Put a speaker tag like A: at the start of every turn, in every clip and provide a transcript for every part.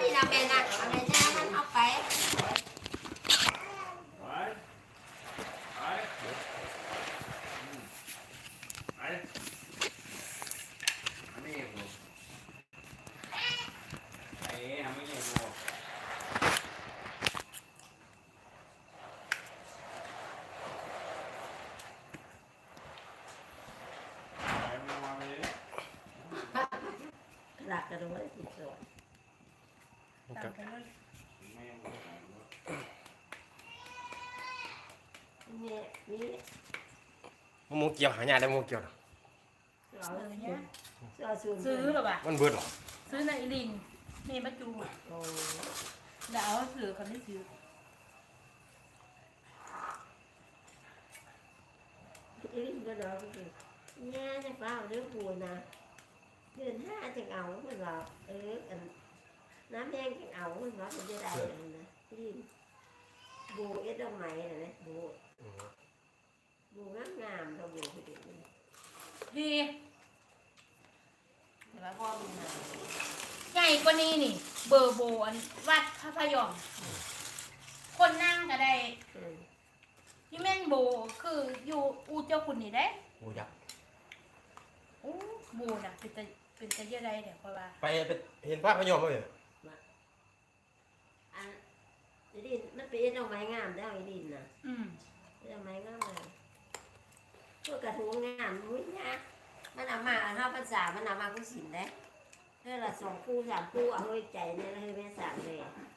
A: นี่เราแม่นักอะไรจ้ามันเอาไปหลักกระโดดติดตัวตามไปเลยนี่นี่
B: มูเกี่ยวหายาได้มูเกี่ยวนะ
A: เอาเลยเนี่ย
C: ซื้อหรอปะ
B: มันเบิดหรอ
C: ซื้อในอีลินนี่มาจู
A: โอ้
C: เดี๋ยวเอาซื้อคนที่ซื้อ
A: ยก็ดอกก็เนี่ยจะเปล่าเรื่องปูนะเดือน5จะเอาเหมือนเราน้ำแดงจะเอาเหมือนเราจะได้เลยนะที่บูเอ็ดดอกไม้นะบูงามๆเราบูไปดู
C: ดี
A: แต่ว่าพ่อมีนา
C: ใหญ่กว่านี้นี่ เบอร์โบอันวัดพระพยอมคนนั่งก็ได้พี่แม่นโบคืออยู่อูเจ้าคุณนี่ได้
B: มูยักษ์
C: โอ้โบน่ะเป็นตะเยอะได้เนี่ยเพราะว่า
B: ไปเห็นภาพพยอมไหมเนี่ย
A: อันดินมันเป็นเอ็ดดอกไม้งามได้ไอ้ดินนะ ดอกไม้งามเลยพวกกระทู้งามมุ้ยนะมันเอามาเข้าภาษามันเอามากุศิลได้เรื่องละ2 คู่ 3 คู่เอาไว้ใจเนี่ยแล้วให้แม่สั่งเลย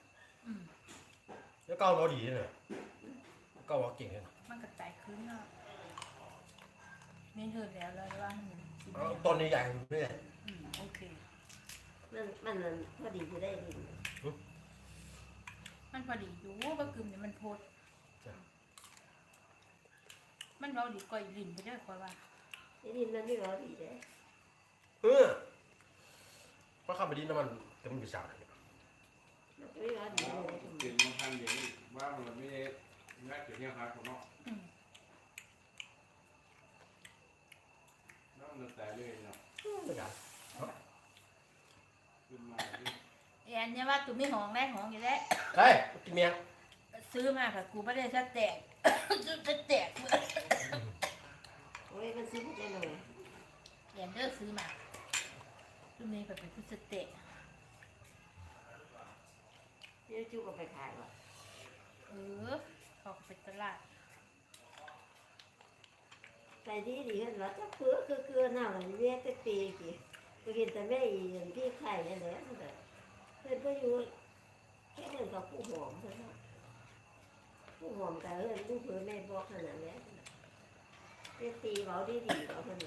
B: แล้วเก้าเราดีเลยเก้าเราเก่งเลย
C: มันกระจายขึ้นเนาะเน้นเถิดแล้วเลยว่ามันสิบ
B: ต้นนี้ใหญ่เลย
C: โอเค
A: มันพอดีจะได้ดิน
C: มันพอดีอยู่ก็กึ่มเนี่ยมันโพดมันเราดีกว่าอีลินไปได้กว่า
A: ไอ้ดินมันไม่ร้อนดีเลย
B: เพราะข้าไปดินน้ำมันแต่มันอยู่สาวเลย
A: มันไม่ร้อนดีเลย
D: กินบางครั้งอย่างนี้ว่ามันไม่ได้งัดอย่างนี้ครับผมเนาะน้ำมันแต่เลยเนาะ
B: ไม่กัน
D: ขึ้นมา
C: แอนเนี่ยว่าตัวไม่หองได้หองอยู่แล้ว
B: เฮ้ยกินเมีย
C: ซื้อมาค่ะกูไม่ได้จะแตกจะแตก
A: โอ้ยมันซื้อได้เลย
C: แอนเดอร์ซื้อมาตัวนี้แบบเป็นพิเศษเตะ
A: เดี๋ยวจุกเอาไปขายว่ะ
C: ออกไปตลาด
A: ไปดีดีขึ้นแล้วจะเพื่อคือหน้ามันเรียกแต่ปีกี่ก็เห็นแต่แม่อีพี่ไข่เนี่ยแหละเพื่อนก็อยู่แค่เดินกับผู้หอมเพื่อนผู้หอมแต่ลูกเพื่อนแม่บอกขนาดนี้เรียกตีเขาดีเขาเพื่อน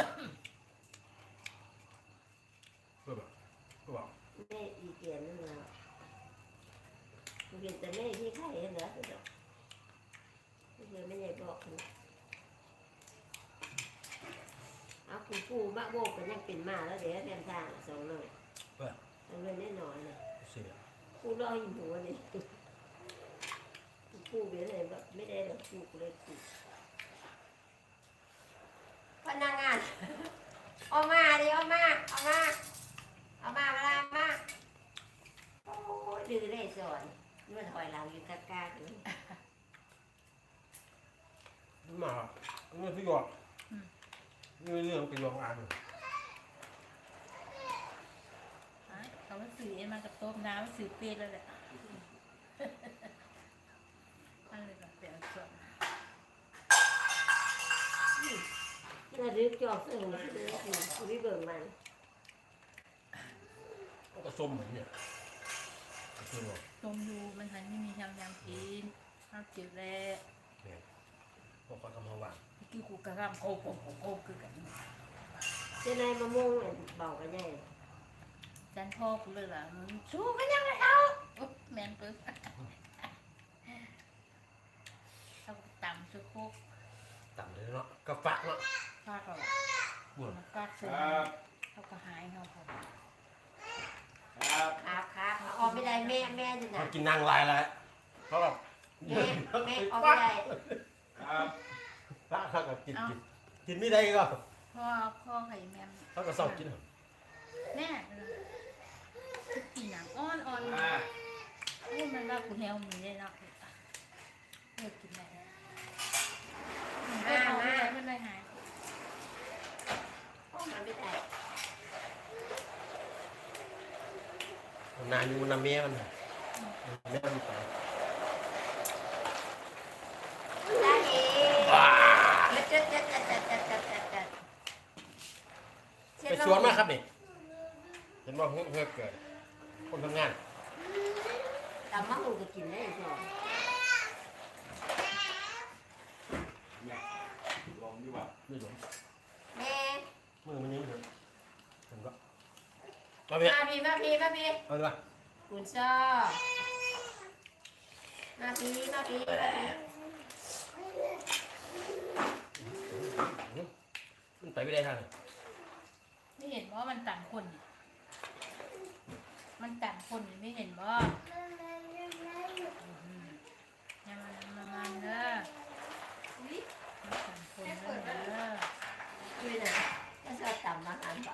B: เพื่อแบบเพื่อบอก
A: แม่อีเกียนนั่นแหละเห็นแต่แม่พี่ไข่เนี่ยแหละเพื่อนไม่ได้บอกเอาคุณปู่มะโบกกันยังเป็นมาแล้วเดี๋ยวแทนทาง2 หน่อยเอาเงินแน่นอนเลย
B: เสีย
A: ปู่รอหิมหัวนี่ปู่เบี้ยเลยแบบไม่ได้หรอกปู่เลยปู่พนักงานเอามาดิเอามาโอ้ยดื้อได้สอนมันถอยหลังอยู่กล้าๆอยู่
B: มาเรื่องที่หยอดเรื่องเป็นรองอ่าน
C: เขาว่าสื่อเอ็นมากับโต๊ะน้ำสื่อเปรี้ยแล้วแหละอะไรแบบเปลี่ยนส่วน
A: เราดึกจอกเสื่อมเลยคือวิเบิร์มัน
B: ก็ส้มเหมือนเนี่ยคือบอก
C: ตรงยูมันหันไม่มียำกินข้าวเจียวแร่
B: เนี่ยพวกเขาทำมาหวาน
C: กี่กูกระรำโกคือกัน
A: เจ้านายมะม่วงเบากันใหญ่
C: จันพ่อกูเลยล่ะมึงชูกันยังไงเอาแมนปึ๊บเขาต่ำสุดโคก
B: ต่ำเลยเนาะกระฝากเนาะ
C: ฟาดเขา
B: บุญ
C: ฟาดเสือ
D: ครับ
C: เขาก็หายเขาเขา
D: ครับ
A: ออกไม่ได้แม่จะหนั
B: มาก กินนางลายแล้วเพราะแบบ
A: แม่ออกไม่ได้
D: ครับ
B: พระเขาก็กินไม่ได้ก็
C: พ่อไข่แมม
B: เขาก็ชอบกิน
C: แม่กินหนังอ่อน
D: อ่า
C: วมีได้เนาะเลิกกินได้
A: มามา
C: มันเลยหาย
A: ห้องมันไม่ได้
B: นานอยู่นำเมียมันแม่มันไป
A: ได้เอง
B: ไปสวนมาครับนี่เห็นว่าเพื่อเกิดคนทำงาน
A: ตำมะฮุงก็กินได้จ้ะ
D: ลองดีกว่า
B: ไม่หลง
A: แม่
B: มือมันยังไม่ถึงผมก็มาเพีย
A: มาพี่
B: เอาดีกว่า
A: คุณชอบมาพี่
B: มันไปไม่ได้ทางเลย
C: ไม่เห็นว่ามันต่างคนนี่มันต่างคนนี่ไม่เห็นว่าอย่ามาเด้อมันต่างคนเด้อ
A: ด้วยนะก็ชอบตำอาหารป่ะ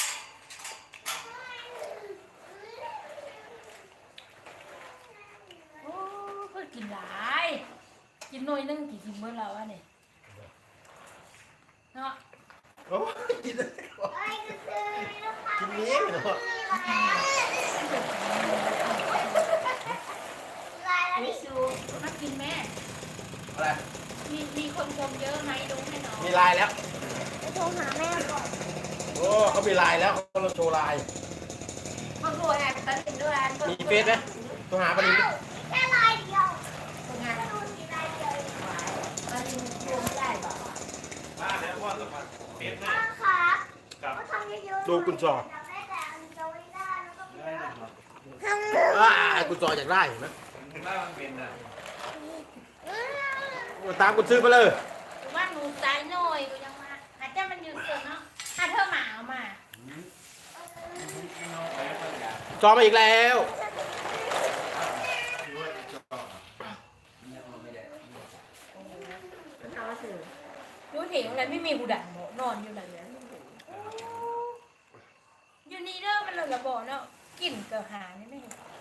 C: โอ้เพิ่นกินหลายกินหน่อยนึงกินเมื่อเราอะเนี่ยเนาะ
B: โอ้กินกินเนี้ยเนาะ
A: มิซู
C: มากินแม่
B: อะไร
C: มีคนชมเยอะไหมดูให้น้อง
B: มีลายแล้ว
E: ไปโทรหาแม่ก่อน
B: โอ้เขามีลายแล้วเขาเราโชว์ลาย
A: มาดูแอบตัดสินด้วย
B: มีเฟซไหมตัวหาประเด็น
E: แค่ลายเดียว
A: คนงาน
E: ดูสีลายเดียวเอง
A: มาดินรวมได้ป่ะ
D: มาแล้วว่าสมัครเปลี่ยนหน้า
E: ป้าครับ
D: กับ
E: ก็ทำเยอะๆ
B: ดูกุญจอ
E: อยากได้แต่อันเดียวไม่ได้แล้วก็ไม่
D: ได้
E: ได้
D: นะครับ
E: ทำ
B: กุญจออยากได้เห็นไหม
D: หน้ามันเป็นอ่ะ
B: ตามกุญซื้อมาเลย
C: ว่าหนูตายหน่อยกูยังมาอาจจะมันอยู่ส่วนเนาะถ้าเธอหมาเอามา
D: ไปก็อยาก
B: จอมาอีกแล้ว
D: ด้วยจอเนี่ยมันไม่ได้
A: เอาสิ
C: ดูเถียงอะไรไม่มีหูดันบ่นอนอยู่ไหนเนี่ยอยู่นี่เด้อมันเลยระบอกเนาะกลิ่นเกลือหานี่ไม่เห็น